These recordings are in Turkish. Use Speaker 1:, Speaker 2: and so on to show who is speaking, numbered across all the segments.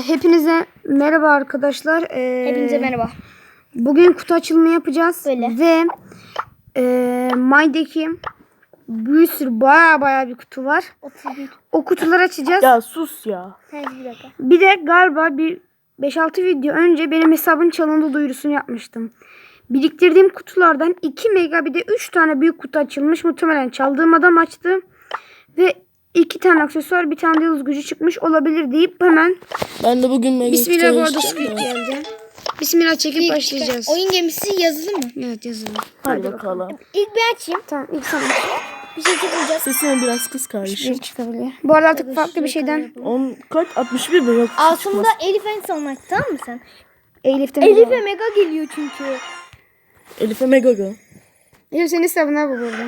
Speaker 1: Hepinize merhaba arkadaşlar.
Speaker 2: Hepinize merhaba.
Speaker 1: Bugün kutu açılımı yapacağız.
Speaker 2: Böyle.
Speaker 1: Ve My'deki bir sürü baya bir kutu var.
Speaker 2: 31.
Speaker 1: O kutuları açacağız.
Speaker 3: Ya sus ya.
Speaker 2: Bir dakika.
Speaker 1: Bir de galiba bir 5-6 video önce benim hesabın çalındı duyurusunu yapmıştım. Biriktirdiğim kutulardan 2 mega bir de 3 tane büyük kutu açılmış. Muhtemelen çaldığım adam açtı. Ve 2 tane aksesuar, bir tane de yıldız gücü çıkmış olabilir deyip hemen
Speaker 3: Ben de bugün mega
Speaker 1: Bismillah, bu arada
Speaker 3: kutu
Speaker 1: Squid
Speaker 3: açacağım ya.
Speaker 1: geldi. Bismillah çekip başlayacağız.
Speaker 2: Oyun gemisi yazılı mı?
Speaker 1: Evet, yazılı.
Speaker 3: Hadi bakalım.
Speaker 2: İlk bir açayım.
Speaker 1: Tamam, ilk sana
Speaker 2: Bir şey çıkacak.
Speaker 3: Sesini biraz kıs kardeşim.
Speaker 1: bir çıkabilir. Bu arada artık farklı bir şeyden
Speaker 3: 10 kaç? 61 mi? Yok.
Speaker 2: Altında Elif en son aç, tamam mı sen?
Speaker 1: Elif'ten
Speaker 2: Elif'e mega geliyor çünkü.
Speaker 3: Elif'e mega go.
Speaker 1: Elif senin hesabına bu burada.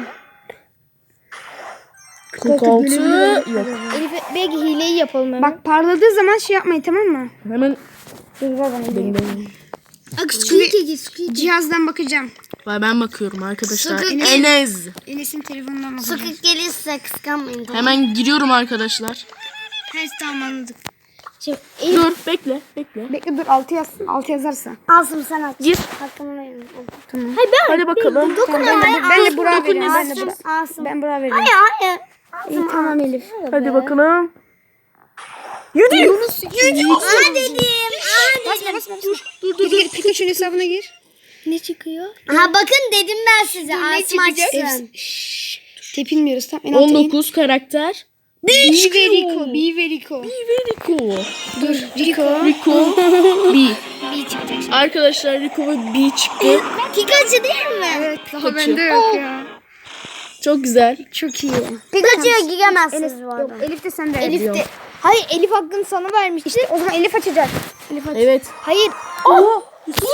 Speaker 3: 46 yok.
Speaker 2: Elif'e belki hileyi yapalım hemen.
Speaker 1: Bak, parladığı zaman şey yapmayın, tamam mı?
Speaker 3: Hemen
Speaker 1: Dur ver bana.
Speaker 3: ding ding.
Speaker 2: Squid.
Speaker 1: Cihazdan bakacağım.
Speaker 3: Ben bakıyorum arkadaşlar.
Speaker 2: Sakın-
Speaker 3: Enes.
Speaker 1: Enes'in telefonundan bakacağım.
Speaker 2: gelirse kıskanmayın.
Speaker 3: Hemen giriyorum arkadaşlar.
Speaker 1: Her tamam, anladık.
Speaker 2: Şimdi Elif
Speaker 3: Dur bekle.
Speaker 1: Bekle, dur, 6 yazsın. 6 yazarsa.
Speaker 2: alsın sen aç.
Speaker 3: Gir.
Speaker 2: Hakkını verin.
Speaker 1: Tamam.
Speaker 2: Hayır ben.
Speaker 3: Hadi bakalım.
Speaker 2: Dokun
Speaker 1: Ben de Burak'a
Speaker 3: dokun,
Speaker 1: veriyorum. Ben de
Speaker 3: Enes.
Speaker 1: Burak.
Speaker 2: Alsın.
Speaker 1: Ben Burak'a veriyorum.
Speaker 2: Hayır.
Speaker 1: İyi, tamam Elif.
Speaker 3: Hadi bakalım. Yürü.
Speaker 2: Aa dedim.
Speaker 1: Basma. Dur. Gir, Pikachu'nun hesabına gir.
Speaker 2: Ne çıkıyor? Aha bakın dedim ben size. Asım açsın.
Speaker 1: Tepinmiyoruz, tamam. En alta in.
Speaker 3: 19 karakter.
Speaker 1: Be very cool.
Speaker 3: Very cool.
Speaker 1: Dur, Rico.
Speaker 3: Rico B.
Speaker 2: Bir çıkacak.
Speaker 3: Arkadaşlar Rico ve B çıktı.
Speaker 2: Pikachu değil mi?
Speaker 1: Evet, daha
Speaker 3: Pikachu.
Speaker 1: bende yok ya.
Speaker 3: Çok güzel.
Speaker 1: Çok iyi.
Speaker 2: Pikachu'ya
Speaker 1: Enes,
Speaker 2: giremezsiniz bu
Speaker 1: yok,
Speaker 2: arada.
Speaker 1: Elif de sen de.
Speaker 2: Elif de. Hayır, Elif hakkını sana vermişti.
Speaker 1: İşte o zaman Elif açacak. Elif aç.
Speaker 3: Evet.
Speaker 2: Hayır.
Speaker 3: Oh.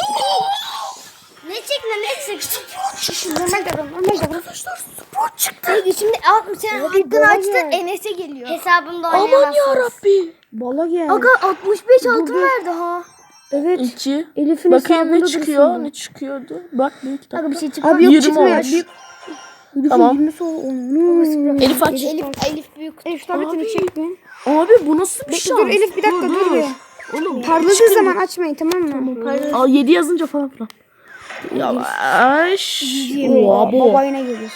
Speaker 2: Ne çek?
Speaker 1: Normal davran.
Speaker 3: Arkadaşlar spor çıktı.
Speaker 2: Peki şimdi sen hakkını
Speaker 1: bana
Speaker 2: açtın,
Speaker 1: gel.
Speaker 2: Enes'e geliyor. Hesabımda
Speaker 3: Aman yarabbi.
Speaker 1: Bala gel.
Speaker 2: Aga 65 altın verdi ha.
Speaker 1: Evet.
Speaker 3: 2.
Speaker 1: Elif'in
Speaker 3: Bakayım
Speaker 1: hesabında
Speaker 3: ne
Speaker 1: dursun
Speaker 3: çıkıyor?
Speaker 1: bu.
Speaker 3: Ne çıkıyordu? Bak bir iki
Speaker 2: Aga
Speaker 3: dakika.
Speaker 2: bir şey çıkmadı.
Speaker 1: Abi yok,
Speaker 3: 20
Speaker 1: çıkmıyor.
Speaker 3: olmuş.
Speaker 1: Elif'in
Speaker 3: Tamam.
Speaker 1: 20'si onu.
Speaker 3: Elif aç.
Speaker 2: Elif büyük.
Speaker 1: Elif tabletini
Speaker 3: Abi.
Speaker 1: çek mi?
Speaker 3: Abi bu nasıl bir
Speaker 1: Bekle,
Speaker 3: şans?
Speaker 1: dur Elif, bir dakika dur bir.
Speaker 3: Oğlum
Speaker 1: Parladığı zaman açmayın, tamam mı?
Speaker 3: Aa 7 yazınca falan filan. Yavaş. Oha bu.
Speaker 1: Baba yine gelir.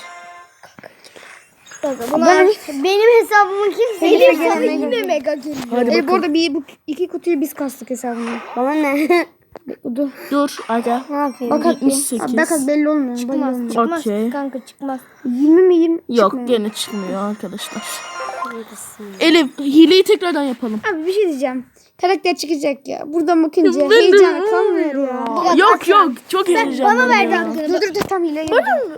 Speaker 2: Bunlar benim hesabımın kimse
Speaker 1: Elif
Speaker 2: Elif
Speaker 1: sana
Speaker 2: sana
Speaker 1: yine
Speaker 2: yine mega geliyor.
Speaker 3: Hadi
Speaker 1: Bu
Speaker 3: bakalım.
Speaker 1: arada bu 2 kutuyu biz kastık hesabına.
Speaker 2: Bana ne?
Speaker 1: Bekle, dur.
Speaker 3: Dur aga.
Speaker 2: Ne yapayım?
Speaker 1: Bak at bir.
Speaker 3: 78.
Speaker 1: Abi, bak at, belli olmuyor. Belli
Speaker 2: Çıkmaz,
Speaker 1: olmuyor.
Speaker 2: çıkmaz
Speaker 3: Okey.
Speaker 2: kanka çıkmaz.
Speaker 1: 20 mi 20?
Speaker 3: Yok
Speaker 1: Çıkmıyor.
Speaker 3: gene çıkmıyor arkadaşlar. Elif hileyi tekrardan yapalım.
Speaker 1: Abi bir şey diyeceğim. Karakter çıkacak ya. Buradan bakınca heyecanı kalmıyor ya.
Speaker 3: Yok çok heyecanlı.
Speaker 2: Bana verdi
Speaker 3: ya.
Speaker 2: hakkını.
Speaker 1: Dur tam hile yapacağım.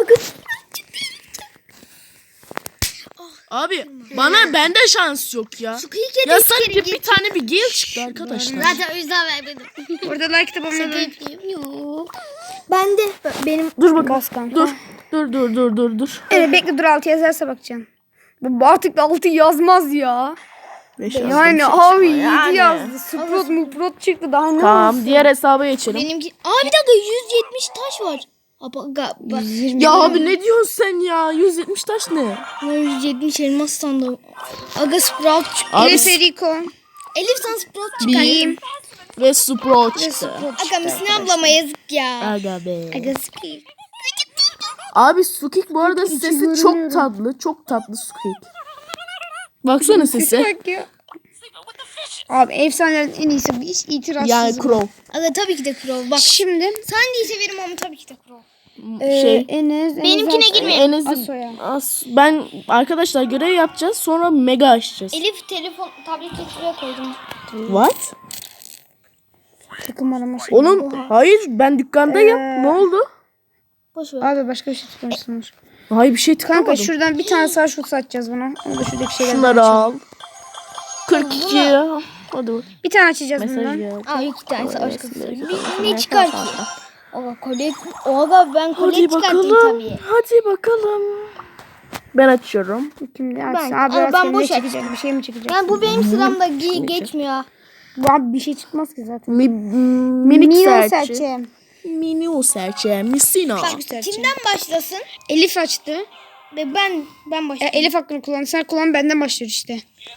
Speaker 3: Abi bende şans yok ya. Ya sadece bir tane bir gel çıktı arkadaşlar.
Speaker 2: Zaten o yüzden vermedim.
Speaker 1: Orada like de bana.
Speaker 2: Yok. Ben de benim
Speaker 3: Dur bakalım.
Speaker 1: Bas kanka.
Speaker 3: Dur.
Speaker 1: Evet, bekle, dur 6 yazarsa bakacağım. Bu artık da 6 yazmaz ya.
Speaker 3: 5
Speaker 1: Yani abi 7 yazdı. Sprot muprot çıktı daha ne
Speaker 3: Tamam
Speaker 1: olsun?
Speaker 3: diğer hesaba geçelim.
Speaker 2: benimki. Aa bir dakika 170 taş var. Bak.
Speaker 1: 120.
Speaker 3: Ya abi ne diyorsun sen ya? 170 taş ne?
Speaker 2: 170 elmas sandım. Aga Sprout çıktı.
Speaker 3: Abi
Speaker 1: Elif Eriko.
Speaker 2: Elif sana Sprout çıktı.
Speaker 3: bir ve Sprout çıktı.
Speaker 2: Aga Misine ablama yazık ya.
Speaker 3: Aga be.
Speaker 2: Aga Squid.
Speaker 3: Abi Sukik bu arada sesi çok
Speaker 1: görünüyorum.
Speaker 3: tatlı. Çok tatlı Sukik. Baksana sesi.
Speaker 1: Bak ya. Abi efsanelerin en iyisi, hiç itirazsız.
Speaker 3: Yani Crow.
Speaker 2: Aga tabii ki de Crow. Bak
Speaker 1: Şimdi
Speaker 2: sen de severim ama tabii ki de Crow.
Speaker 1: Enes
Speaker 2: Benimkine girme.
Speaker 1: Asoya.
Speaker 3: Ben arkadaşlar görev yapacağız sonra mega açacağız.
Speaker 2: Elif telefon tableti şuraya koydum.
Speaker 3: What?
Speaker 1: Takım arama şey.
Speaker 3: Oğlum hayır ben dükkandayım. Ne oldu?
Speaker 2: Boş ver.
Speaker 1: Abi başka bir şey tıklamışsınız.
Speaker 3: Hayır bir şey tıklamadım.
Speaker 1: Kanka şuradan bir tane sağ şut satacağız buna. Onu da şuradaki şeyler.
Speaker 3: Şunları al. 42. Hadi bak.
Speaker 1: Bir tane açacağız
Speaker 3: Mesaj
Speaker 1: bundan.
Speaker 3: gel.
Speaker 2: Aa iki tane savaş kızı.
Speaker 3: Ne
Speaker 2: Ne çıkar ki? Aga kolye. Aga ben kolye
Speaker 3: Hadi
Speaker 2: çıkartayım
Speaker 3: bakalım.
Speaker 2: tabii.
Speaker 3: Hadi bakalım. Ben açıyorum.
Speaker 1: Şimdi
Speaker 2: Ben-
Speaker 1: açsın.
Speaker 2: Ama
Speaker 1: Abi
Speaker 2: ben
Speaker 1: ben
Speaker 2: boş
Speaker 1: ne çıkacak? Bir şey mi çıkacak?
Speaker 2: Yani bu benim sıramda geçmiyor.
Speaker 1: Bu abi bir şey çıkmaz ki zaten.
Speaker 3: Minik
Speaker 1: Mini
Speaker 3: serçe.
Speaker 1: serçe.
Speaker 3: Mini o serçe. Misina.
Speaker 2: Kimden başlasın?
Speaker 1: Elif açtı.
Speaker 2: Ve ben başlayayım.
Speaker 1: Elif hakkını kullan. Sen kullan, benden başlıyor işte.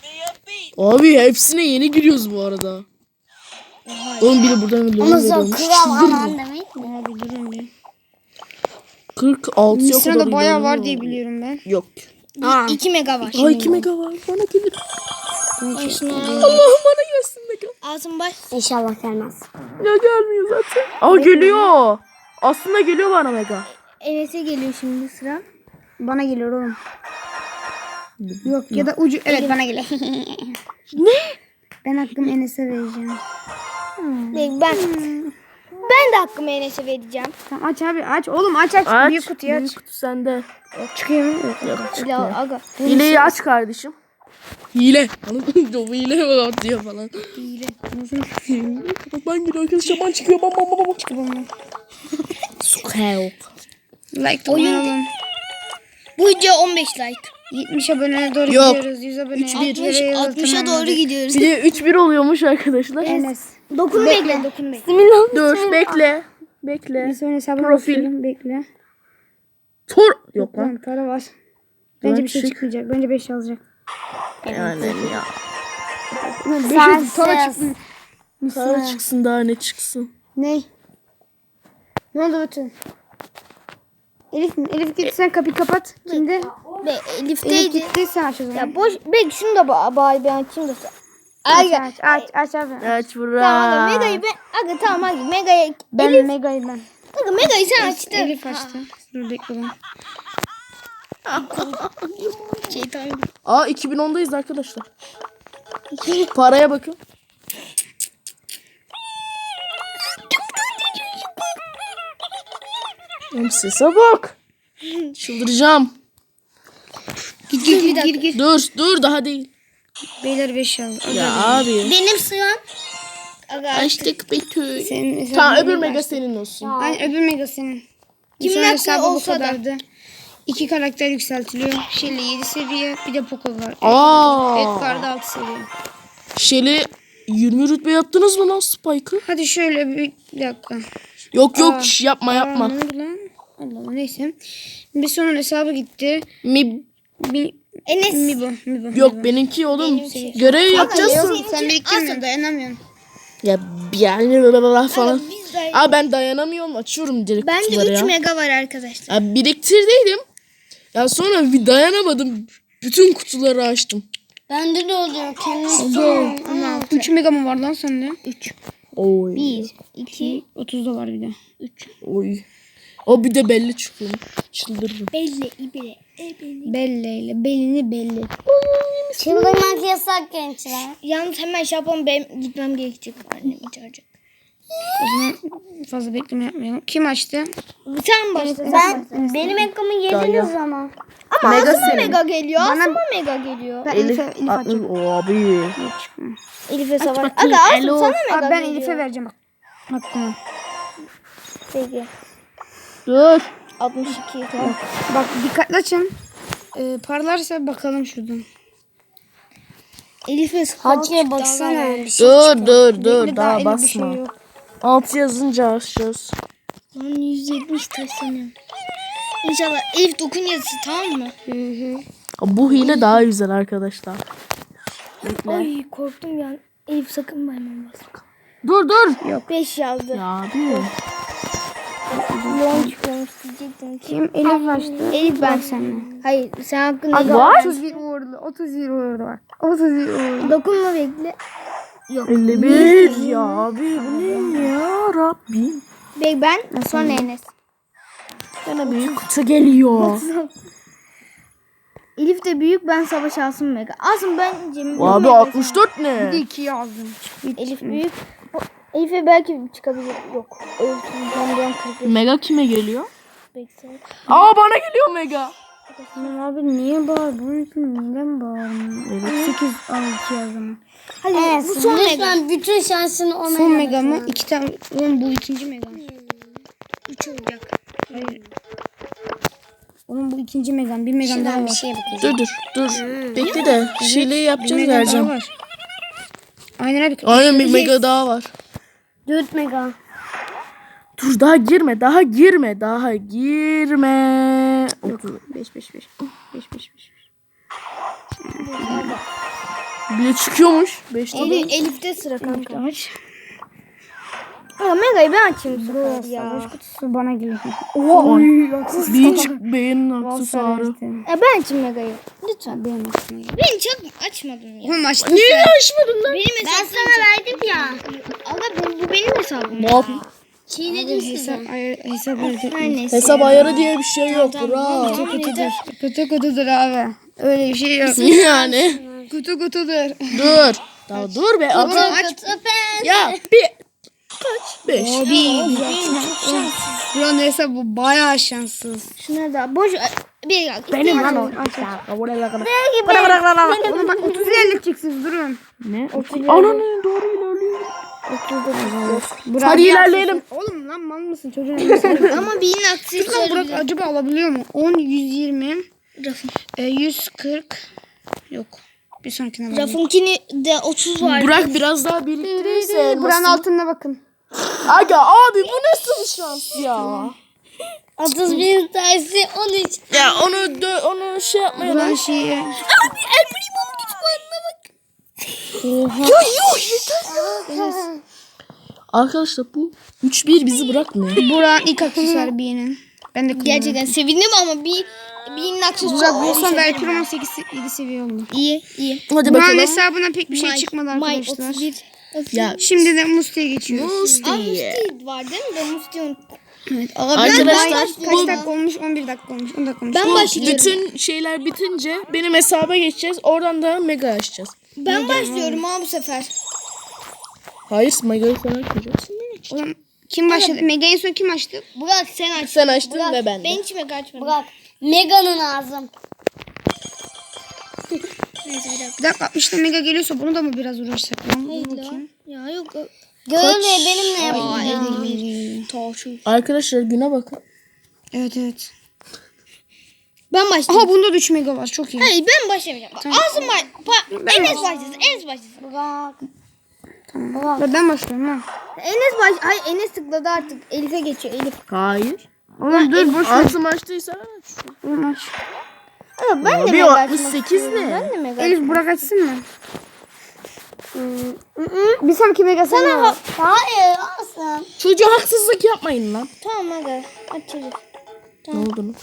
Speaker 3: Abi hepsine yeni giriyoruz bu arada. Oğlum biri buradan bir loan veriyormuş. Çıldırırım.
Speaker 2: demek mi?
Speaker 1: Abi durun bir.
Speaker 3: 46 yok.
Speaker 1: Mısır'da bayağı var diye biliyorum ben.
Speaker 3: Yok.
Speaker 2: 2 mega var.
Speaker 3: Ay 2 mega var. Bana gelir.
Speaker 2: Başına.
Speaker 3: Allah'ım bana gelsin mega.
Speaker 2: Ağzın baş. İnşallah gelmez.
Speaker 3: Ya gelmiyor zaten. Aa geliyor. Aslında geliyor bana mega.
Speaker 2: Enes'e geliyor şimdi sıra.
Speaker 1: Bana geliyor oğlum. Yok ya da ucu. Evet bana geliyor.
Speaker 3: Ne?
Speaker 1: Ben hakkımı Enes'e vereceğim.
Speaker 2: Ben de hakkımı Enes'e vereceğim.
Speaker 1: Tamam aç abi aç. Oğlum aç. Büyük kutuyu aç.
Speaker 3: Büyük kutu sende.
Speaker 1: Çıkıyor mu? Yok.
Speaker 2: Ya aga.
Speaker 3: Hileyi aç kardeşim. Hile. Anladın mı? Hile bak diyor falan.
Speaker 1: Hile.
Speaker 3: Bak ben gidiyor arkadaş şaman çıkıyor. Bam bam bam bam.
Speaker 1: Çıkıyor mu?
Speaker 3: Sukayok.
Speaker 1: Like de oynayalım.
Speaker 2: Bu video 15 like.
Speaker 1: 70 aboneye doğru
Speaker 3: Yok.
Speaker 1: gidiyoruz. 100 abone.
Speaker 2: 60'a doğru gidiyoruz.
Speaker 3: Bir de 3-1 oluyormuş arkadaşlar.
Speaker 1: Enes.
Speaker 2: Dokun bekle. Dokun bekle.
Speaker 3: Dur bekle. Bekle.
Speaker 1: Bir sonra hesabına
Speaker 3: Profil.
Speaker 1: bakıyorum. Bekle.
Speaker 3: Tor. Yok lan.
Speaker 1: Tamam para var. Bence bir şey
Speaker 3: çık.
Speaker 1: çıkmayacak. Bence 5 yazacak.
Speaker 3: Yani ya.
Speaker 1: 5 para çıksın.
Speaker 3: Para çıksın daha ne çıksın.
Speaker 1: Ne? Ne oldu bütün? Elif git sen kapıyı kapat. Şimdi Elif
Speaker 2: Elif'teydi.
Speaker 1: gitti sen aç o zaman.
Speaker 2: Ya boş. Bek şunu da bari ben açayım da.
Speaker 1: Aç abi.
Speaker 3: Aç bura.
Speaker 2: Tamam aga Mega'yı ben. Aga tamam aga Mega'yı.
Speaker 1: Ben Mega'yı ben.
Speaker 2: Aga Mega'yı sen açtın.
Speaker 1: Elif açtı. Dur bekle lan.
Speaker 2: Şeytan.
Speaker 3: Aa 2010'dayız arkadaşlar. Paraya bakın. Oğlum sese bak. Çıldıracağım.
Speaker 1: Gir.
Speaker 3: Dur daha değil.
Speaker 1: Beyler 5 yazdı.
Speaker 3: Ya abi.
Speaker 2: Benim sıram. Aga
Speaker 3: Açtık Betül.
Speaker 1: Senin
Speaker 3: Tamam öbür mega senin olsun.
Speaker 1: Aynen öbür mega senin.
Speaker 2: Kimin
Speaker 1: Sonra
Speaker 2: hakkı
Speaker 1: hesabı bu
Speaker 2: olsa da.
Speaker 1: kadardı. 2 karakter yükseltiliyor. Shelly 7 seviye. Bir de Poco var.
Speaker 3: Aa.
Speaker 1: Edgar'da 6 seviye.
Speaker 3: Shelly 20 rütbe yaptınız mı lan Spike'ı?
Speaker 1: Hadi şöyle bir dakika.
Speaker 3: Yok yapma.
Speaker 1: Ne oldu lan? Allah Allah neyse. Bir sonun hesabı gitti.
Speaker 2: Enes.
Speaker 1: Mi bu.
Speaker 3: Yok benimki oğlum. Görev yapacağız.
Speaker 1: Sen biriktirmiyorsun dayanamıyorsun.
Speaker 3: Ya yani falan.
Speaker 2: Biz de.
Speaker 3: Aa ben dayanamıyorum açıyorum direkt
Speaker 2: Bende
Speaker 3: kutuları
Speaker 2: 3
Speaker 3: ya.
Speaker 2: mega var arkadaşlar.
Speaker 3: Ya biriktirdiydim. Ya sonra bir dayanamadım. Bütün kutuları açtım.
Speaker 2: Bende de oluyor. Kendim
Speaker 1: 3 mega mı var lan sende?
Speaker 2: 3.
Speaker 3: Oy.
Speaker 2: 1, 2,
Speaker 1: 30 da var bir de.
Speaker 2: 3.
Speaker 3: Oy. O bir de belli çıkıyor. Çıldırırım.
Speaker 2: Belli, ibile, belli.
Speaker 1: Belleyle. Belini belli.
Speaker 2: Çıldırmak yasak gençler. Yalnız hemen şey yapalım. Benim gitmem gerekecek. Annem çağıracak.
Speaker 1: O zaman fazla bekleme yapmayalım. Kim açtı?
Speaker 2: Sen başla. Benim ekramı yediniz ama. Ama
Speaker 3: Mega
Speaker 2: Asım'a
Speaker 3: senin.
Speaker 2: mega geliyor.
Speaker 1: Bana-
Speaker 2: Asım'a mega geliyor.
Speaker 1: Ben
Speaker 3: Elif
Speaker 1: Elif
Speaker 3: atmış.
Speaker 1: açacağım.
Speaker 3: O abi.
Speaker 2: Elif'e savaş.
Speaker 3: bakayım,
Speaker 2: Aga Asım
Speaker 3: alo.
Speaker 2: sana mega
Speaker 1: Abi ben
Speaker 2: geliyor.
Speaker 1: Elif'e vereceğim bak. Hakkımı.
Speaker 2: Peki.
Speaker 3: Dur.
Speaker 2: 62. Tamam.
Speaker 1: Bak dikkatli açın. Parlarsa bakalım şuradan.
Speaker 2: Elif'e
Speaker 1: Hacı'ya baksana.
Speaker 3: Dur daha
Speaker 1: elimde bir şey
Speaker 3: basma.
Speaker 1: yok.
Speaker 3: 6 yazınca açacağız.
Speaker 2: Lan 170 taşlanıyorum. İnşallah Elif dokun yazısı tamam mı?
Speaker 3: Bu hile daha güzel arkadaşlar.
Speaker 2: Ay korktum ya. Elif sakın bayman basma.
Speaker 3: Dur.
Speaker 2: 5 yazdı.
Speaker 3: Ya abi.
Speaker 2: Long çıkıyormuş diyecektim ki.
Speaker 1: Kim? Elif açtı.
Speaker 2: Elif ben.
Speaker 1: Bak sen.
Speaker 2: Hayır sen hakkında
Speaker 1: Aga
Speaker 2: var.
Speaker 1: 31 uğurlu. 31 uğurlu var. 31 uğurlu.
Speaker 2: Dokunma bekle. Yok.
Speaker 3: 51 ya abi bu ne ya Rabbim.
Speaker 2: Ben sonra Enes.
Speaker 3: Bana büyük kutu geliyor.
Speaker 2: Elif de büyük ben savaş Asım mega. Asım ben Cemil.
Speaker 3: Abi 64
Speaker 1: Bir de
Speaker 3: ne?
Speaker 1: 2 yazdım.
Speaker 2: Elif büyük. Elif'e belki çıkabilir. Yok. Elif ben 40
Speaker 3: Mega kime geliyor?
Speaker 2: bekliyorum.
Speaker 3: Aa bana geliyor Mega.
Speaker 1: Tamam abi niye bağır? Bunun için neden bağırmıyor? Evet. 8 al 2 yazdım.
Speaker 2: Hadi bu son mega. Bütün şansını ona
Speaker 1: Son mega mı? 2 tane. Oğlum bu ikinci mega.
Speaker 2: 3 olacak.
Speaker 1: Hayır. Oğlum bu ikinci megam. Bir megam daha var.
Speaker 3: Dur. Bekle de şeyleri yapacağız
Speaker 1: Mega daha
Speaker 3: vereceğim.
Speaker 1: var. Aynen abi.
Speaker 3: Aynen bir Mega daha var.
Speaker 2: 4 mega.
Speaker 3: Dur daha girme.
Speaker 1: Yok. 5.
Speaker 3: Bir de çıkıyormuş. 5'te de.
Speaker 2: Elif'te sıra kanka. Ama Mega'yı ben açayım bu sefer ya.
Speaker 1: Savaş kutusu bana geliyor.
Speaker 3: Bir çık beğenin aksesuarı.
Speaker 2: Ben açayım Mega'yı. Lütfen.
Speaker 1: Benim aklıma geldi.
Speaker 2: Ben çok açmadım ya.
Speaker 1: Oğlum açtın
Speaker 3: Niye
Speaker 1: sen.
Speaker 3: açmadın lan?
Speaker 2: Benim hesabım. Ben sana verdim ya. Aga bu benim hesabım.
Speaker 3: Ne yapayım?
Speaker 2: Çiğnedim sizi.
Speaker 1: Hesap öyle.
Speaker 2: Her neyse.
Speaker 3: Hesap ayarı diye bir şey yok.
Speaker 2: Tamam,
Speaker 3: Bravo.
Speaker 2: tamam, yeter.
Speaker 1: Kutu kutudur abi. Öyle bir şey yok.
Speaker 3: Yani.
Speaker 1: Kutu kutudur.
Speaker 3: Dur. Daha dur be.
Speaker 1: Oğlum
Speaker 3: Ata.
Speaker 1: aç.
Speaker 3: Ya bir. Kaç? 5.
Speaker 1: Buranın hesabı bayağı şanssız.
Speaker 2: Şuna da boş bir dakika.
Speaker 1: Benim lan o. Oğlum bak 30 ilerleteceksiniz durun.
Speaker 3: Ne? Ananı doğru ilerliyor.
Speaker 1: Burak,
Speaker 3: Hadi ilerleyelim.
Speaker 1: Oğlum lan mal mısın çocuğun elbise?
Speaker 2: Ama birinin
Speaker 1: Lan
Speaker 2: aksesuarı.
Speaker 1: Burak acaba alabiliyor mu? 10, 120,
Speaker 2: Rafın.
Speaker 1: 140. Yok. Bir sonrakine bakayım.
Speaker 2: Rafınkini de 30 var.
Speaker 3: Burak biraz daha biriktirirse
Speaker 1: Buranın
Speaker 3: elmasını.
Speaker 1: altına bakın.
Speaker 3: Aga abi bu nasıl bir şans ya?
Speaker 2: 31 tanesi 13.
Speaker 3: Ya onu şey yapmayalım.
Speaker 1: Buranın şeyi.
Speaker 2: Abi El Primo'nun kütüphanesine bak.
Speaker 3: Arkadaşlar bu 3-1 bizi bırakmıyor.
Speaker 1: Buranın ilk aksesuarı birinin. Ben de kullanıyorum.
Speaker 2: Gerçekten sevindim ama birinin
Speaker 1: Burak
Speaker 2: aksesuarı.
Speaker 1: bulsam belki Roman 7 seviye oldu.
Speaker 2: İyi iyi.
Speaker 3: Hadi
Speaker 1: Buranın
Speaker 3: bakalım.
Speaker 1: hesabına pek bir şey çıkmadı
Speaker 2: May
Speaker 1: arkadaşlar.
Speaker 2: 31.
Speaker 3: Ya
Speaker 1: Şimdi de Musti'ye geçiyoruz.
Speaker 3: Musti.
Speaker 2: Musti var değil mi? Ben Musti unuttum.
Speaker 1: Evet.
Speaker 3: Arkadaşlar
Speaker 1: Kaç
Speaker 3: bu,
Speaker 1: dakika olmuş? 11 dakika olmuş. 10 dakika olmuş.
Speaker 2: Ben
Speaker 3: bu
Speaker 2: başlıyorum.
Speaker 3: bütün şeyler bitince benim hesaba geçeceğiz. Oradan da mega açacağız.
Speaker 2: Ben başlıyorum ha bu sefer.
Speaker 3: Hayır mega'yı sen açmayacaksın.
Speaker 1: Oğlum, kim başladı? Mega en son kim açtı?
Speaker 2: Burak sen aç.
Speaker 3: Sen açtın ve ben de.
Speaker 2: Ben hiç mega açmadım. Burak. Mega'nın ağzım. Neyse bir dakika.
Speaker 1: Bir dakika işte Mega geliyorsa bunu da mı biraz uğraşsak? Lan, dur
Speaker 2: Hayır
Speaker 1: bakayım.
Speaker 2: ya yok. Görme benimle yapacağım.
Speaker 3: Arkadaşlar güne bakın.
Speaker 1: Evet evet.
Speaker 2: Ben başlayayım.
Speaker 1: Aha bunda da 3 Mega var. Çok iyi.
Speaker 2: Hayır ben başlamayacağım. Bak, ağzım var. Enes başlasın. Enes başlasın. Burak.
Speaker 1: Ben başlıyorum ha.
Speaker 2: Hayır Enes tıkladı artık. Elif'e geçiyor Elif.
Speaker 3: Hayır.
Speaker 1: Oğlum dur boş ver.
Speaker 3: Altım açtıysa aç.
Speaker 1: Oğlum aç.
Speaker 2: Ama ben de
Speaker 3: Abi
Speaker 2: mega
Speaker 3: o
Speaker 2: açmak
Speaker 3: 68
Speaker 2: istiyorum.
Speaker 3: ne?
Speaker 2: Ben de mega
Speaker 1: Elif Burak açsın mı? Bir sonraki Mega sana var.
Speaker 2: Hayır alsın.
Speaker 3: Çocuğa haksızlık yapmayın lan.
Speaker 2: Tamam mega. Aç çocuk.
Speaker 3: Ne oldu lan?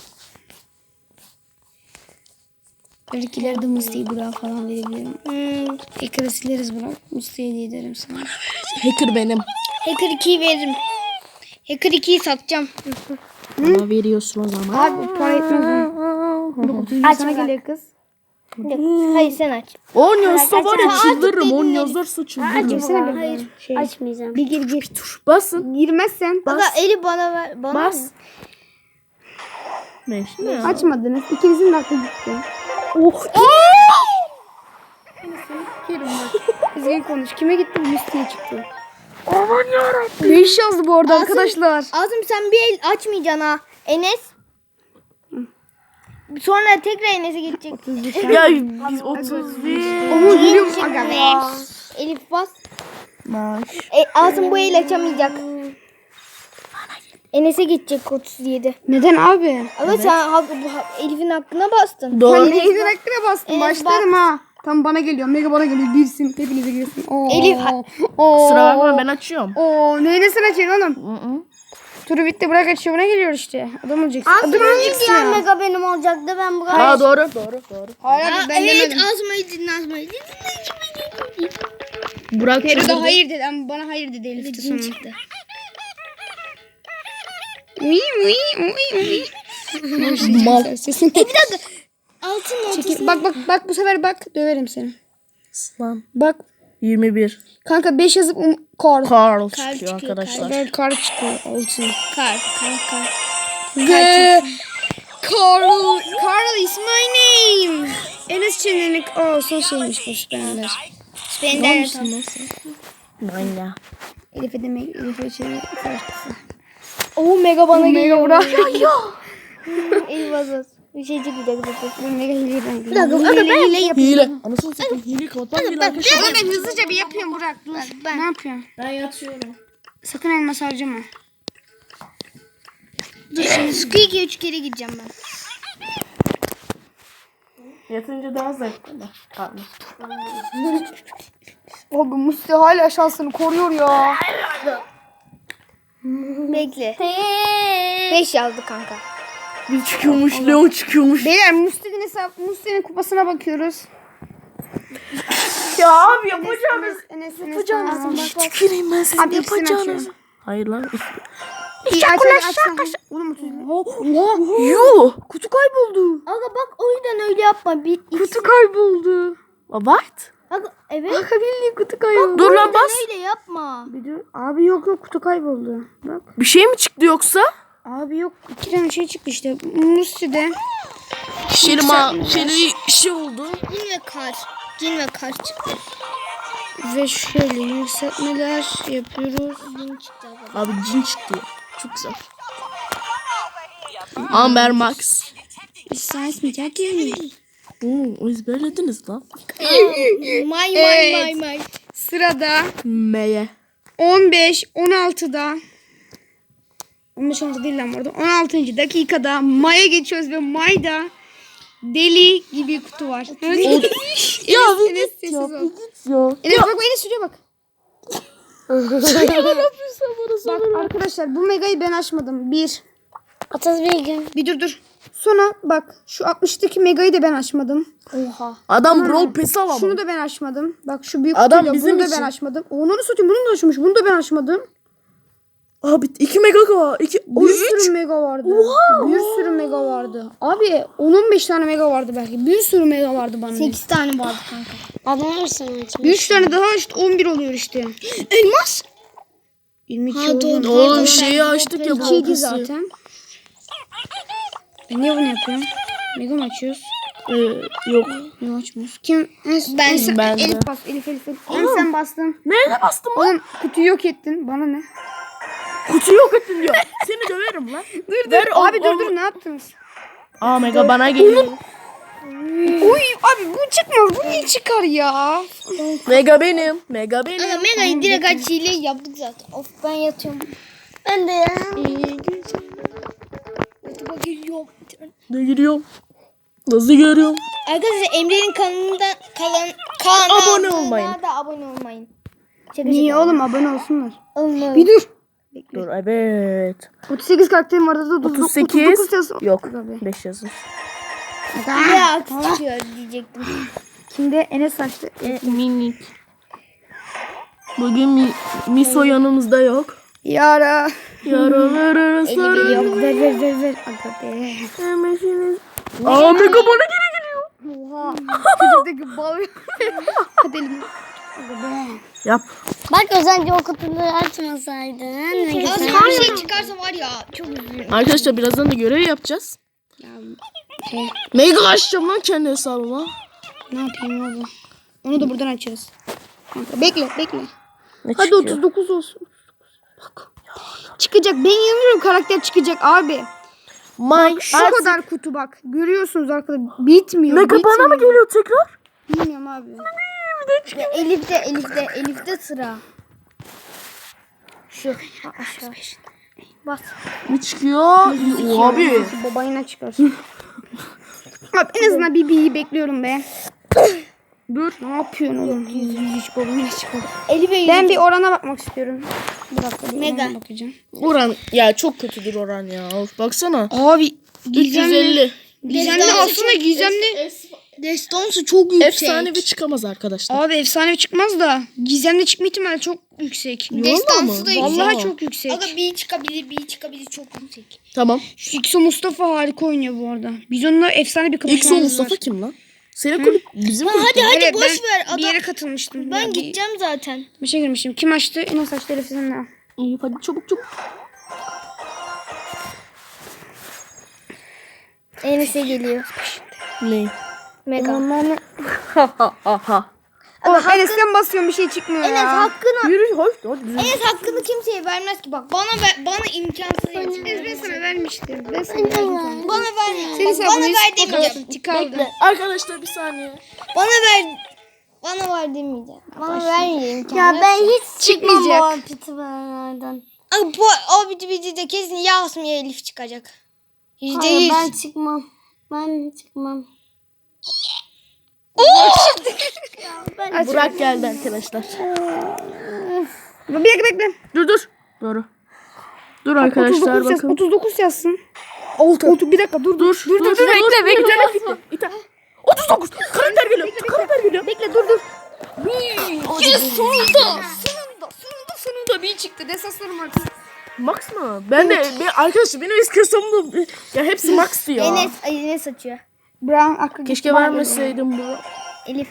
Speaker 1: Belki ileride Musti'yi Burak'a falan verebilirim. Hacker'ı sileriz Burak. Musti'ye hediye ederim sana.
Speaker 3: Hacker benim.
Speaker 2: Hacker 2'yi veririm. Hacker 2'yi satacağım.
Speaker 3: Bana veriyorsun o zaman.
Speaker 1: Abi para etmez mi?
Speaker 2: Aç
Speaker 1: Sana
Speaker 2: Burak.
Speaker 1: geliyor kız.
Speaker 2: Hayır sen aç.
Speaker 3: 10 yazsa var ya
Speaker 2: aç,
Speaker 3: çıldırırım. 10
Speaker 2: dinlerim.
Speaker 3: yazarsa çıldırırım.
Speaker 1: Girsene bir.
Speaker 2: Hayır.
Speaker 1: Şey.
Speaker 2: Açmayacağım.
Speaker 1: Bir gir.
Speaker 3: Basın.
Speaker 1: Girmezsen.
Speaker 2: Bak eli bana ver. Bana
Speaker 3: Bas.
Speaker 2: mı?
Speaker 3: 5 ne?
Speaker 1: Açmadınız. İkinizin de aklı gitti.
Speaker 3: Oh.
Speaker 1: Kızgın konuş. Kime gitti? Musti'ye çıktı. Aman yarabbim. 5 yazdı bu arada arkadaşlar.
Speaker 2: Azım sen bir el açmayacaksın ha. Enes. Sonra tekrar Enes'e gidecek.
Speaker 3: Ya biz 31.
Speaker 1: Ama gülüyorum. Aga be.
Speaker 2: Elif bas.
Speaker 3: Baş.
Speaker 2: Azım bu el açamayacak. Enes'e gidecek 37.
Speaker 1: Neden abi?
Speaker 2: Ama sen Elif'in hakkına bastın.
Speaker 3: Doğru.
Speaker 1: Sen neyden hakkına bastın?
Speaker 2: Evet,
Speaker 1: Başlarım ha. Tam bana geliyor. Mega bana geliyor. Birsin. Hepinize girsin. Oo.
Speaker 2: Elif.
Speaker 1: Oo.
Speaker 3: Sıra bakma ben açıyorum.
Speaker 1: Oo. Neyine sen açıyorsun oğlum? Turu bitti. Bırak açıyor. Buna geliyor işte. Adam olacaksın. Adam olacaksın ya.
Speaker 2: mega benim olacaktı ben Burak.
Speaker 3: Aa doğru.
Speaker 1: Hayır ben demedim.
Speaker 2: Azmayı dinle Azmayı dinle.
Speaker 3: Burak
Speaker 1: Peri de
Speaker 3: çıldırdı.
Speaker 1: hayır dedi ama bana hayır dedi Elif de sonra.
Speaker 2: Çıktı.
Speaker 1: Uy uy uy uy.
Speaker 3: Mal.
Speaker 1: Sesin.
Speaker 2: Altın
Speaker 1: Çekil. Bak bu sefer bak döverim seni.
Speaker 3: Lan.
Speaker 1: Bak
Speaker 3: 21.
Speaker 1: kanka 5 yazıp kar.
Speaker 3: Carl
Speaker 2: çıkıyor,
Speaker 3: çıkıyor arkadaşlar.
Speaker 1: Ben kar çıkıyor. Olsun.
Speaker 2: kar.
Speaker 1: Ve Carl is my name. Enes Çenelik. Oh son şeymiş bu Spender.
Speaker 2: Spender.
Speaker 3: Manya.
Speaker 1: Elif'e demek. Elif'e Çenelik karşısı.
Speaker 2: Oo mega bana
Speaker 1: Mega
Speaker 2: geliyor.
Speaker 1: bırak.
Speaker 2: Elif azaz. Bir şey çıkacak zaten.
Speaker 1: Bu mega hile ben.
Speaker 2: Bir dakika aga ben hile yapayım.
Speaker 3: Hile. Anasını satayım. Hile kapatmam gerekiyor arkadaşlar.
Speaker 1: Oğlum ben hızlıca bir yapıyorum Burak. Dur. Ne yapıyorsun?
Speaker 3: Ben yatıyorum.
Speaker 1: Sakın elmas harcama.
Speaker 2: Dur şimdi Squeaky'ye 3 kere gideceğim ben.
Speaker 3: Yatınca daha zevkli. Pardon.
Speaker 1: Abi Musti hala şansını koruyor ya.
Speaker 2: Bekle. 5 yazdı kanka.
Speaker 3: Bir çıkıyormuş, Leon çıkıyormuş.
Speaker 1: Beyler Musti'nin kupasına bakıyoruz.
Speaker 3: Ya abi yapacağınız.
Speaker 1: Enes.
Speaker 3: Tüküreyim ben sizin
Speaker 1: Abi ikisini
Speaker 3: yapacağınız.
Speaker 1: açıyorum.
Speaker 3: Hayır lan.
Speaker 1: Oğlum
Speaker 3: Yuh.
Speaker 1: kutu kayboldu.
Speaker 2: Aga bak o yüzden öyle yapma.
Speaker 1: Kutu kayboldu.
Speaker 3: What?
Speaker 2: Aga evet.
Speaker 1: Kanka bildiğin kutu kayboldu.
Speaker 3: Dur lan bas.
Speaker 2: Öyle yapma.
Speaker 1: Bir dur. Abi yok kutu kayboldu. Bak.
Speaker 3: Bir şey mi çıktı yoksa?
Speaker 1: Abi yok 2 tane şey çıktı işte. Musti'de.
Speaker 3: Şey oldu.
Speaker 2: Cin ve kar çıktı.
Speaker 1: Ve şöyle yükseltmeler yapıyoruz.
Speaker 2: Cin çıktı aga.
Speaker 3: Abi cin çıktı. Çok güzel. Amber Max.
Speaker 1: Saysmayacak yani.
Speaker 3: Oo, ezberlediniz lan.
Speaker 2: May.
Speaker 1: Sırada
Speaker 3: Meye.
Speaker 1: 15, 16'da 15 16 değil lan orada. 16. dakikada May'a geçiyoruz ve May'da deli gibi kutu var.
Speaker 3: Ya
Speaker 1: Enes sessiz ol.
Speaker 3: Ya.
Speaker 1: Enes bak Enes şuraya bak.
Speaker 3: Ne yapıyorsun bana
Speaker 1: Bak arkadaşlar bu Mega'yı ben açmadım. Bir.
Speaker 2: Ataz bilgim.
Speaker 1: Bir dur. Sonra bak şu 60'daki Mega'yı da ben açmadım.
Speaker 2: Oha.
Speaker 3: Adam Brawl Pass alamam.
Speaker 1: Şunu da ben açmadım. Bak şu büyük
Speaker 3: Adam
Speaker 1: kutuyla
Speaker 3: bizim
Speaker 1: bunu da
Speaker 3: için.
Speaker 1: ben açmadım. Onu satayım bunu da açmış. Bunu da ben açmadım.
Speaker 3: Abi 2 mega var. 2
Speaker 1: Bir sürü mega vardı. Bir sürü mega vardı. Abi 10-15 tane mega vardı belki. Bir sürü mega vardı bana.
Speaker 2: 8 tane vardı kanka. Adam varsa
Speaker 1: 3 tane daha işte 11 oluyor işte.
Speaker 2: Elmas.
Speaker 1: 22
Speaker 2: Ha,
Speaker 1: oldu.
Speaker 2: doğru.
Speaker 3: Oğlum şeyi açtık ya
Speaker 1: 2
Speaker 3: Brawl
Speaker 1: idi
Speaker 3: Pass'i.
Speaker 1: zaten. Niye bunu yapıyorum? Mega mı açıyoruz?
Speaker 3: Yok.
Speaker 1: Mega açmıyoruz. Kim?
Speaker 3: Ben de.
Speaker 1: Elif bas. Elif. Sen bastın.
Speaker 3: Nereye bastım lan?
Speaker 1: Oğlum kutuyu yok ettin. Bana ne?
Speaker 3: Kutuyu yok ettin diyor. Seni döverim lan.
Speaker 1: Dur
Speaker 3: Ver
Speaker 1: abi
Speaker 3: onu.
Speaker 1: dur ne yaptınız?
Speaker 3: Aa mega bana geliyor.
Speaker 1: Uy abi bu çıkmaz. Bu niye çıkar ya?
Speaker 3: Mega benim. Mega benim.
Speaker 2: Aga Mega'yı direkt aç hile yaptık zaten. Of ben yatıyorum. Ben de ya. YouTube'a giriyorum.
Speaker 3: Ne giriyorum? Nasıl görüyorum?
Speaker 2: Arkadaşlar Emre'nin kanalına
Speaker 3: Abone olmayın.
Speaker 2: da abone olmayın.
Speaker 1: Niye oğlum abone olsunlar.
Speaker 2: Olmayın.
Speaker 1: Bir dur.
Speaker 3: Dur evet.
Speaker 1: 38 karakterim vardı da
Speaker 3: 38.
Speaker 1: 39 yazın.
Speaker 3: Yok.
Speaker 1: Abi.
Speaker 3: 5 yazın.
Speaker 2: Ya aksıyor diyecektim.
Speaker 1: Kimde Enes açtı.
Speaker 3: Minik. Bugün Miso yanımızda yok.
Speaker 1: Yara.
Speaker 3: Yaraları sarı.
Speaker 1: Yok ver. Aga be.
Speaker 3: Aa mega bana geri geliyor.
Speaker 1: Oha. Çocuktaki bal. Hadi elini. Aga be.
Speaker 3: Yap.
Speaker 2: Bak özellikle o kutuları açmasaydın. Her şey çıkarsa var ya çok üzülürüm.
Speaker 3: Arkadaşlar birazdan da görev yapacağız.
Speaker 1: Ya, şey,
Speaker 3: Mega açacağım lan kendi hesabıma.
Speaker 1: ne yapayım abi? Onu da buradan açarız. Kanka, bekle.
Speaker 3: Ne
Speaker 1: Hadi
Speaker 3: çıkıyor?
Speaker 1: 39 olsun. Bak. Çıkacak. Ben inanıyorum karakter çıkacak abi. Şu kadar kutu bak. Görüyorsunuz arkadaşlar. Bitmiyor.
Speaker 3: Mega bana mı geliyor tekrar?
Speaker 1: Bilmiyorum abi.
Speaker 2: Elif'te sıra. Şu aşağı. Bas.
Speaker 3: Ne çıkıyor? Abi.
Speaker 1: Babayına çıkarsın. Abi en azından bir bekliyorum be. Dur. Ne yapıyorsun oğlum? Yüz çıkalım.
Speaker 2: Elif'e
Speaker 1: Ben bir orana bakmak istiyorum. Bir dakika. Bir
Speaker 2: Mega.
Speaker 1: orana bakacağım.
Speaker 3: Oran ya çok kötüdür oran ya. Of, baksana.
Speaker 1: Abi. Gizemli.
Speaker 3: 350.
Speaker 1: Gizemli aslında gizemli.
Speaker 2: Destansı çok yüksek.
Speaker 3: Efsanevi çıkamaz arkadaşlar.
Speaker 1: Abi efsane çıkmaz da gizemli çıkma ihtimali çok yüksek.
Speaker 2: Destansı da yüksek.
Speaker 1: Vallahi çok yüksek.
Speaker 2: Aga bir çıkabilir çok yüksek.
Speaker 3: Tamam.
Speaker 1: Şu İkso Mustafa harika oynuyor bu arada. Biz onunla efsane bir
Speaker 3: İlk son
Speaker 1: kapışmamız
Speaker 3: Mustafa
Speaker 1: var.
Speaker 3: kim lan? Senin kulüp bizim kulüp.
Speaker 2: Hadi
Speaker 1: Evet,
Speaker 2: boş
Speaker 1: ben
Speaker 2: ver. Adam,
Speaker 1: bir yere katılmıştım.
Speaker 2: ben
Speaker 1: Ya,
Speaker 2: gideceğim zaten.
Speaker 1: Bir şey girmiştim. Kim açtı? Enes açtı. Elif sen de.
Speaker 3: İyi hadi çabuk.
Speaker 2: Enes'e geliyor.
Speaker 3: Ne?
Speaker 2: Mega.
Speaker 3: Aha.
Speaker 1: Oğlum Enes'ten basıyorum bir şey çıkmıyor
Speaker 2: Enes
Speaker 1: ya.
Speaker 2: hakkını
Speaker 3: Yürü hoş. Hadi.
Speaker 2: Enes hakkını kimseye vermez ki bak. Bana imkansız
Speaker 1: Enes ben sana vermiştim. Ben sana verdim.
Speaker 2: Bana ver.
Speaker 1: Senin
Speaker 2: Bana ver demeyeceğim.
Speaker 1: Çıkardı.
Speaker 3: Bekle. Arkadaşlar bir saniye.
Speaker 2: Bana ver. Bana ver demeyeceğim. Bana vermeyeceğim.
Speaker 1: Ya ben hiç çıkmayacak.
Speaker 2: O videoda kesin Yasmiye Elif çıkacak. %100.
Speaker 4: Ben çıkmam.
Speaker 3: Burak geldi arkadaşlar.
Speaker 1: Bir dakika bekle.
Speaker 3: Dur. Doğru. Dur arkadaşlar
Speaker 1: 39 yaz.
Speaker 3: bakın.
Speaker 1: 39 yazsın. 6. Bir dakika dur. Dur bekle.
Speaker 3: 39. Karakter geliyor.
Speaker 1: Bekle dur.
Speaker 2: Sonunda
Speaker 1: bir çıktı. Desaslarım artık.
Speaker 3: Max mı? Arkadaşlar benim eski hesabımda ya hepsi Max'tı ya.
Speaker 2: Enes açıyor.
Speaker 1: Brown aklı
Speaker 3: Keşke vermeseydim bu.
Speaker 2: Elif.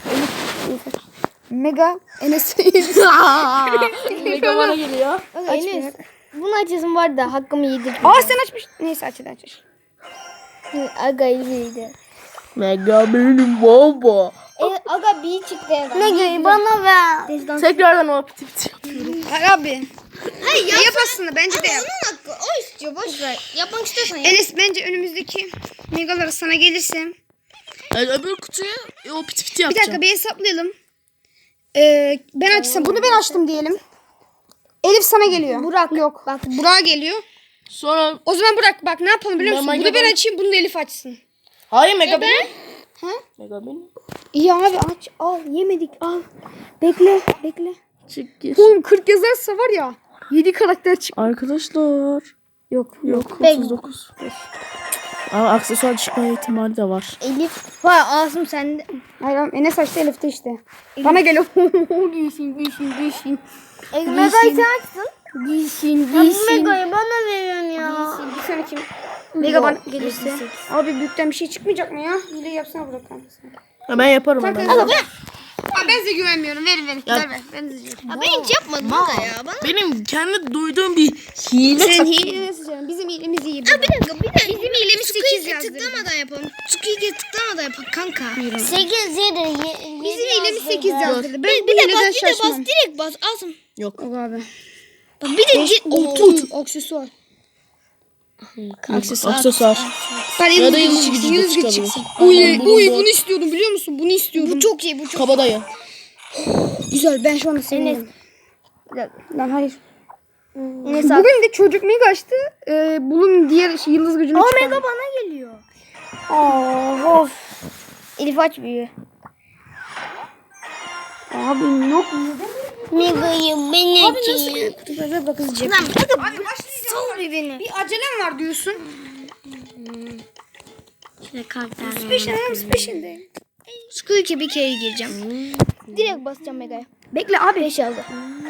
Speaker 1: Mega Enes.
Speaker 3: Mega bana geliyor.
Speaker 2: Enes. Bunu açasın var da hakkımı yedirdim.
Speaker 1: Sen açmış. Neyse aç.
Speaker 2: Aga iyiydi.
Speaker 3: Mega benim baba.
Speaker 2: Aga bir çıktı ya. Mega'yı bana ver.
Speaker 3: Tekrardan o piti yapıyorum.
Speaker 1: Abi. Hayır yap aslında bence de yap.
Speaker 2: Onun hakkı. O istiyor. Boş ver. Yapmak istiyorsan yap.
Speaker 1: Enes bence önümüzdeki megaları sana gelirse.
Speaker 3: Yani öbür kutuya o piti
Speaker 1: Bir
Speaker 3: yapacağım.
Speaker 1: dakika bir hesaplayalım. Ben açsam. Bunu ben açtım diyelim. Elif sana geliyor.
Speaker 2: Burak.
Speaker 1: Yok. Bak Burak'a geliyor.
Speaker 3: Sonra
Speaker 1: O zaman Burak bak ne yapalım biliyor musun?
Speaker 3: Mega
Speaker 1: Bunu ben
Speaker 3: ben-
Speaker 1: açayım bunu da Elif açsın.
Speaker 3: hayır Mega benim.
Speaker 1: Ha?
Speaker 3: Mega benim.
Speaker 1: İyi abi aç. Al yemedik al. Bekle.
Speaker 3: Çık gir.
Speaker 1: Oğlum 40 yazarsa var ya 7 karakter çık.
Speaker 3: Arkadaşlar.
Speaker 1: Yok.
Speaker 3: Yok
Speaker 2: Peki.
Speaker 3: 39. Ama aksesuar çıkma ihtimali de var.
Speaker 2: Elif. Vay Asım sende.
Speaker 1: Hayır oğlum, Enes açtı Elif de işte. Bana geliyor. Gülsün.
Speaker 2: Mega'yı sen açtın.
Speaker 1: Gülsün.
Speaker 2: Mega'yı bana veriyorsun ya.
Speaker 1: Bir sonraki Mega bana gelirse. Abi büyükten bir şey çıkmayacak mı ya? Hile yapsana Burak kankası.
Speaker 3: Ya ben yaparım hemen.
Speaker 1: Ben size güvenmiyorum. Verin.
Speaker 3: Ya-
Speaker 1: Ver. Ben de size.
Speaker 2: Ben hiç yapmadım Mega ya. Bana.
Speaker 3: Benim kendi duyduğum bir hile
Speaker 1: Senin
Speaker 3: taktiği.
Speaker 1: hile nasıl canım? Bizim hilemiz iyi.
Speaker 2: Bir dakika.
Speaker 1: Bizim hilemiz 8 yazdı.
Speaker 2: tıklamadan yapalım. Squeaky'e tıklamadan yapalım kanka.
Speaker 4: 8
Speaker 1: Bizim hilemiz 8 yazdırdı. Ben
Speaker 2: Bir
Speaker 1: bu
Speaker 2: de
Speaker 1: hileden
Speaker 2: bas,
Speaker 1: şaşmam.
Speaker 2: direkt bas. Asım.
Speaker 3: Yok.
Speaker 1: Yok abi.
Speaker 2: Bak bir de
Speaker 1: Aksesuar.
Speaker 3: Aksesuar.
Speaker 1: Ben
Speaker 3: Ya da
Speaker 1: yıldız
Speaker 3: yıldız
Speaker 1: gücü
Speaker 3: gücü de
Speaker 1: çıksın.
Speaker 3: çıkabilir.
Speaker 1: Çıksın.
Speaker 3: Aynen, bulundu.
Speaker 1: Bunu istiyordum biliyor musun? Bunu istiyordum.
Speaker 2: bu çok iyi. Bu çok
Speaker 3: Kabadayı.
Speaker 1: güzel. Ben şu anda sevindim. Lan hayır.
Speaker 2: Enes abi.
Speaker 1: Bugün de çocuk mega açtı. Bunun diğer yıldız gücünü çıkardı.
Speaker 2: Mega bana geliyor.
Speaker 1: Of.
Speaker 2: Elif aç büyüğü.
Speaker 1: Abi yok mu?
Speaker 4: Mega'yı ben açayım.
Speaker 1: Kutupada bak hızlıca.
Speaker 2: Lan bir de
Speaker 1: Abi başlayacağım.
Speaker 2: sal bir beni.
Speaker 1: Bir acelem var diyorsun.
Speaker 4: Şöyle kartlar.
Speaker 1: Peşinde.
Speaker 2: Squeaky'e bir kere gireceğim. Direkt basacağım Mega'ya.
Speaker 1: Bekle abi.
Speaker 2: 5 aldı.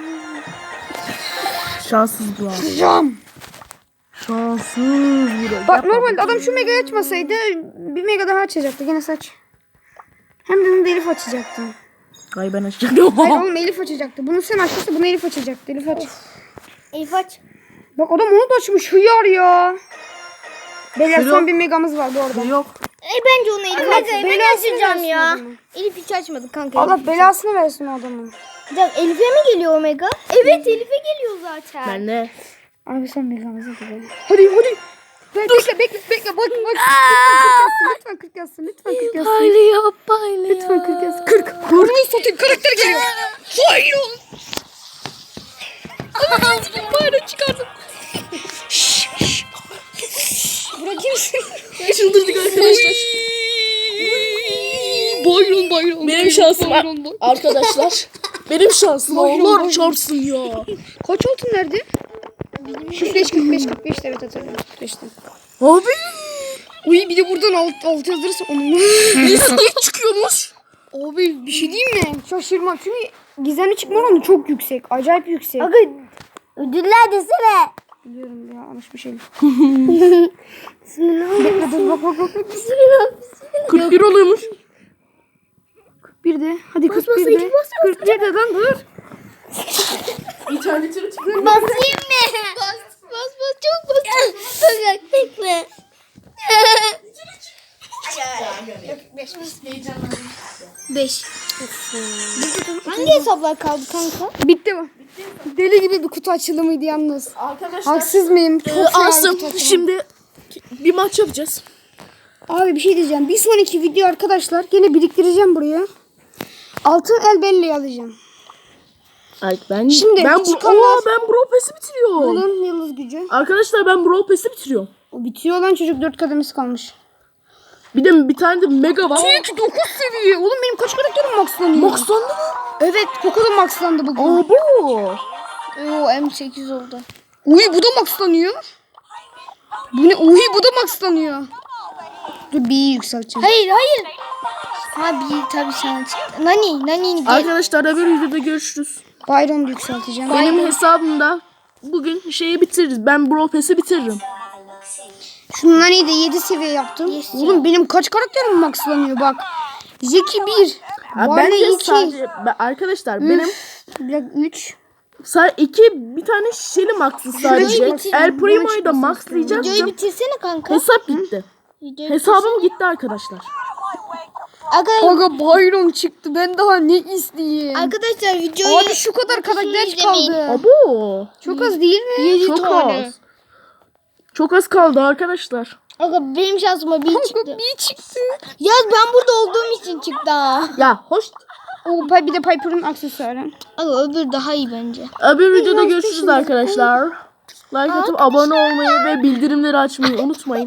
Speaker 3: Şanssız Burak.
Speaker 1: Cam.
Speaker 3: Şanssız Burak.
Speaker 1: Bak normalde adam şu megayı açmasaydı bir mega daha açacaktı. Gene saç. Hem de onu da Elif açacaktı.
Speaker 3: Ay ben açacağım.
Speaker 1: Hayır oğlum Elif açacaktı. Bunu sen açmışsa bunu Elif açacaktı. Elif aç.
Speaker 2: Elif aç.
Speaker 1: Bak adam onu da açmış. Hıyar ya. Beyler
Speaker 3: Şurada-
Speaker 1: son bir megamız var bu arada.
Speaker 3: Yok.
Speaker 2: Bence onu Elif Mega'yı ben
Speaker 1: belasını
Speaker 2: açacağım
Speaker 1: versin
Speaker 2: ya.
Speaker 1: adamı.
Speaker 2: Elif hiç açmadı kanka.
Speaker 1: Allah belasını versin o adamın.
Speaker 2: Bir dakika, Elif'e mi geliyor Omega? Evet Elif'e geliyor zaten.
Speaker 3: Ben de.
Speaker 1: Abi son megamızı gibi. Hadi. Bekle. Bak. Lütfen 40 yazsın. Lütfen 40 yazsın.
Speaker 3: Paylıyor.
Speaker 1: Lütfen 40 yazsın. 40. Kurmayı satayım. Karakter geliyor. Hayır oğlum. Bayrağı çıkardım. Bırakayım seni.
Speaker 3: Çıldırdık arkadaşlar.
Speaker 1: Bayron.
Speaker 3: Benim şansım var. Arkadaşlar. Benim şansım Allah çarpsın ya.
Speaker 1: Kaç altın nerede? 45 evet hatırlıyorum. 45'ten.
Speaker 3: Abi.
Speaker 1: Uy bir de buradan alt yazdırırsa onu.
Speaker 3: Niye çıkıyormuş?
Speaker 1: Abi bir şey diyeyim mi? Şaşırmam çünkü gizemli çıkma oranı çok yüksek. Acayip yüksek.
Speaker 2: Aga ödüller desene.
Speaker 1: Biliyorum ya yanlış bir şey. Bekle dur bak.
Speaker 3: 41 oluyormuş.
Speaker 1: 41'de. Hadi 41'de. 41'de lan dur.
Speaker 3: İnternetini tıklıyorum.
Speaker 2: Basayım mı? Bas çok bas. Bak bekle. 5. Hangi hesaplar kaldı kanka?
Speaker 1: Bitti mi? Deli gibi bir kutu açılımıydı yalnız.
Speaker 3: Arkadaşlar.
Speaker 1: Haksız mıyım? Çok fena bir kutu
Speaker 3: Asım
Speaker 1: açılımı.
Speaker 3: şimdi bir maç yapacağız.
Speaker 1: Abi bir şey diyeceğim. Bir sonraki video arkadaşlar gene biriktireceğim buraya. Altın el belleği alacağım.
Speaker 3: Ay ben
Speaker 1: Şimdi
Speaker 3: ben
Speaker 1: çıkanlar-
Speaker 3: ben Brawl Pass'i bitiriyorum.
Speaker 1: Bunun yıldız gücü.
Speaker 3: Arkadaşlar ben Brawl Pass'i bitiriyorum.
Speaker 1: O bitiyor lan çocuk 4 kademesi kalmış.
Speaker 3: Bir de bir tane de mega var.
Speaker 1: Çünkü 9 seviye. Oğlum benim kaç karakterim maxlanıyor?
Speaker 3: Maxlandı mı?
Speaker 1: Evet, Koko da maxlandı bugün.
Speaker 3: Abo.
Speaker 2: Oo M8 oldu.
Speaker 1: Uy, bu da maxlanıyor. Bu ne? Uy, bu da maxlanıyor. Dur bir yükselteceğim.
Speaker 2: Hayır. Abi tabii sana çıktı. Nani gel.
Speaker 3: Arkadaşlar da bir videoda görüşürüz.
Speaker 1: Bayramda yükselteceğim.
Speaker 3: Benim hesabımda bugün şeyi bitiririz. Ben Brawl Pass'i bitiririm.
Speaker 1: Şundan iyi de 7 seviye yaptım. Oğlum benim kaç karakterim maxlanıyor bak. Zeki 1.
Speaker 3: Ha, ben
Speaker 1: Barley
Speaker 3: de
Speaker 1: 2.
Speaker 3: sadece arkadaşlar benim
Speaker 1: Bir dakika 3.
Speaker 3: bir tane şişeli max'ı sadece.
Speaker 1: bitir.
Speaker 3: El Primo'yu da
Speaker 2: Videoyu
Speaker 3: maxlayacaktım.
Speaker 2: bitirsene kanka.
Speaker 3: Hesap gitti. Hesabım gitti arkadaşlar.
Speaker 1: Aga bayram çıktı. Ben daha ne isteyeyim?
Speaker 2: Arkadaşlar videoyu
Speaker 1: Abi şu kadar karakter
Speaker 2: izlemeyin.
Speaker 1: kaldı.
Speaker 3: Abo.
Speaker 1: Çok az değil mi?
Speaker 3: Çok az. Çok az kaldı arkadaşlar.
Speaker 2: Aga benim şansıma bir çıktı.
Speaker 1: Bir çıktı.
Speaker 2: Yaz ben burada olduğum için çıktı ha.
Speaker 3: Ya hoş.
Speaker 1: O bir de Piper'ın aksesuarı.
Speaker 2: Aga öbür daha iyi bence.
Speaker 3: Öbür videoda görüşürüz arkadaşlar. Like atıp abone olmayı ve bildirimleri açmayı unutmayın.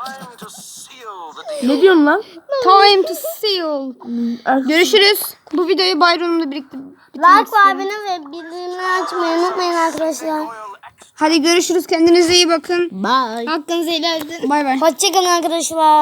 Speaker 3: Ne diyorsun lan?
Speaker 1: Time to seal. Görüşürüz. Bu videoyu bayramla birlikte bitirmek istiyorum.
Speaker 4: ve bildirimleri açmayı unutmayın arkadaşlar.
Speaker 1: Hadi görüşürüz. Kendinize iyi bakın.
Speaker 3: Bye.
Speaker 2: Hakkınızı helal edin.
Speaker 1: Bay bay.
Speaker 4: Hoşçakalın arkadaşlar.